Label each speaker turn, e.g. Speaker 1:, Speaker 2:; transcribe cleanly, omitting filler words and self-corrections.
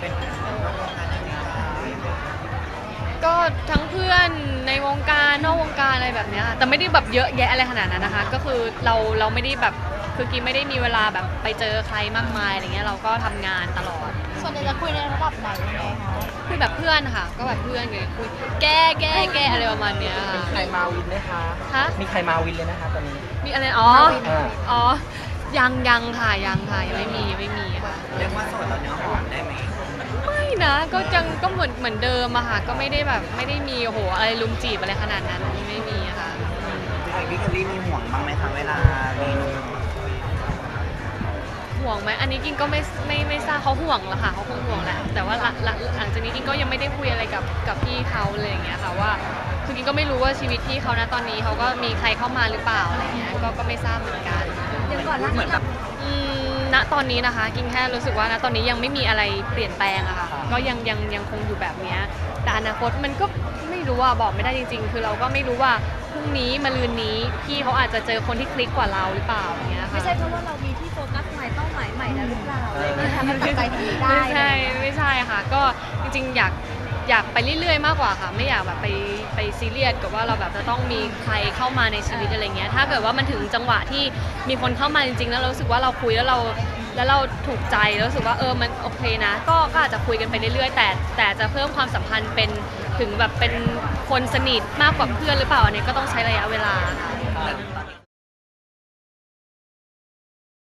Speaker 1: เป็นวงการในวงการ
Speaker 2: ก็ทั้งเพื่อนในวงการนอกวงการอะไรแบบเนี้ยแต่ไม่ได้แบบเยอะแยะอะไรขนาดนั้นนะคะก็คือเราไม่ได้แบบคือกิ๊บไม่ได้มีเวลาแบบไปเจอใครมากมายอะไรเงี้ยเราก็ทำงานตลอด
Speaker 3: ส่วนใหญ่จะคุยในระดับไหนยังไงคะ
Speaker 2: คุยแบบเพื่อนค่ะก็แบบเพื่อนไงคุยแก้อะไรประมาณเนี้ยค่ะ
Speaker 1: ใครมาวินไหมคะ
Speaker 2: ฮะ
Speaker 1: มีใครมาวินเลยนะคะตอนนี้
Speaker 2: มีอะไรอ๋อ
Speaker 1: อ่า
Speaker 2: อ๋อยังค่ะยังไม่มีค่ะ
Speaker 1: เรียกว่าโสดตอนเนื้อหอมได้ไหม
Speaker 2: ไม่นะก็ยังก็เหมือนเดิมอะค่ะก็ไม่ได้แบบไม่ได้มีโอ้โหอะไรลุมจีบอะไรขนาดนั้นไม่มีอะค่ะ
Speaker 1: ไอพี่เคลลี่มีห่วงบ้างไหมคะเวลามีหนุ่ม
Speaker 2: ห่วงไหมอันนี้กินก็ไม่ทราบเขาห่วงหรอค่ะเขาคงห่วงแหละแต่ว่าหลังจากนี้กินก็ยังไม่ได้คุยอะไรกับพี่เขาเลยอย่างเงี้ยค่ะว่าคือกินก็ไม่รู้ว่าชีวิตพี่เขานะตอนนี้เขาก็มีใครเข้ามาหรือเปล่าอะไรเงี้ยก็ไม่ทราบเหมือนกัน
Speaker 3: เดี๋ยวก่อนหน้า
Speaker 1: เหมื
Speaker 3: นี้
Speaker 1: อนแบบ
Speaker 2: ณตอนนี้นะคะกินแค่รู้สึกว่าณตอนนี้ยังไม่มีอะไรเปลี่ยนแปลงอะค่ะก็ยังคงอยู่แบบเนี้ยแต่อนาคตมันก็ไม่รู้ว่าบอกไม่ได้จริงๆ คือเราก็ไม่รู้ว่าพรุ่งนี้มะรืนนี้พี่เขาอาจจะเจอคนที่คลิกกว่าเราหรือเปล่าอย่างเงี้ยค่ะ
Speaker 3: ไม่ใช่เพราะว่าเรามีที่โฟกัสใหม่เป้าหมายใหม่แล้วหรือเปล่าอะไรอย่างเงี้ยทำให้ตัดใจตรงนี้ได้
Speaker 2: ไม่ใช่ค่ะก็จริงๆอยากไปเรื่อยๆมากกว่าค่ะไม่อยากแบบไปซีเรียสกับว่าเราแบบจะต้องมีใครเข้ามาในชีวิตอะไรเงี้ยถ้าเกิดว่ามันถึงจังหวะที่มีคนเข้ามาจริงๆแล้วเรารู้สึกว่าเราคุยแล้วเราถูกใจแล้วรู้สึกว่ามันโอเคนะก็อาจจะคุยกันไปเรื่อยๆแต่จะเพิ่มความสัมพันธ์เป็นถึงแบบเป็นคนสนิทมากกว่าเพื่อนหรือเปล่าอันนี้ก็ต้องใช้ระยะเวลาค่ะ
Speaker 1: แต่ตอนนี้